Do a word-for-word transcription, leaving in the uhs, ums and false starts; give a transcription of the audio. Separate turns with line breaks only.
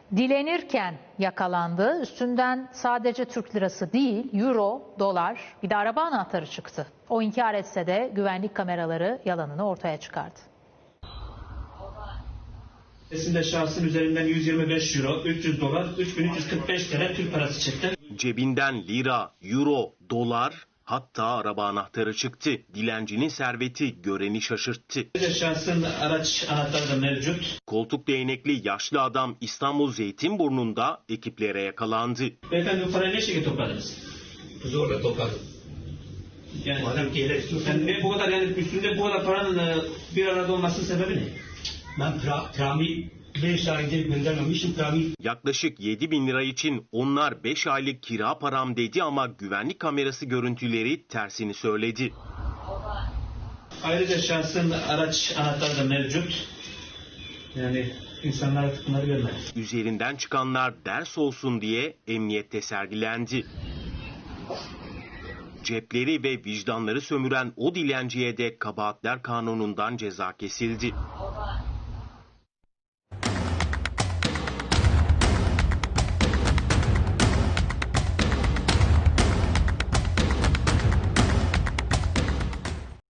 Dilenirken yakalandı. Üstünden sadece Türk lirası değil, euro, dolar, bir de araba anahtarı çıktı. O inkar etse de güvenlik kameraları yalanını ortaya çıkardı.
Esinde şahsın üzerinden yüz yirmi beş euro, üç yüz dolar, üç bin üç yüz kırk beş T L Türk parası çıktı.
Cebinden lira, euro, dolar, hatta araba anahtarı çıktı. Dilencinin serveti göreni şaşırttı.
Şahsın araç anahtarı da mevcut.
Koltuk değnekli yaşlı adam İstanbul Zeytinburnu'nda ekiplere yakalandı.
Beyefendi bu parayı ne şekilde topladınız?
Zorla topladım.
Yani,
Madem ki hele
yani ne bu kadar yani üstünde bu kadar paranın e, bir arada olmasının sebebi ne?
ben pra, prami beş ay önce göndermemişim prami.
Yaklaşık yedi bin lira için onlar beş aylık kira param dedi ama güvenlik kamerası görüntüleri tersini söyledi.
Ayrıca şahsın araç anahtarı da mevcut. Yani insanlar artık bunları görmez.
Üzerinden çıkanlar ders olsun diye emniyette sergilendi. Cepleri ve vicdanları sömüren o dilenciye de kabahatler kanunundan ceza kesildi.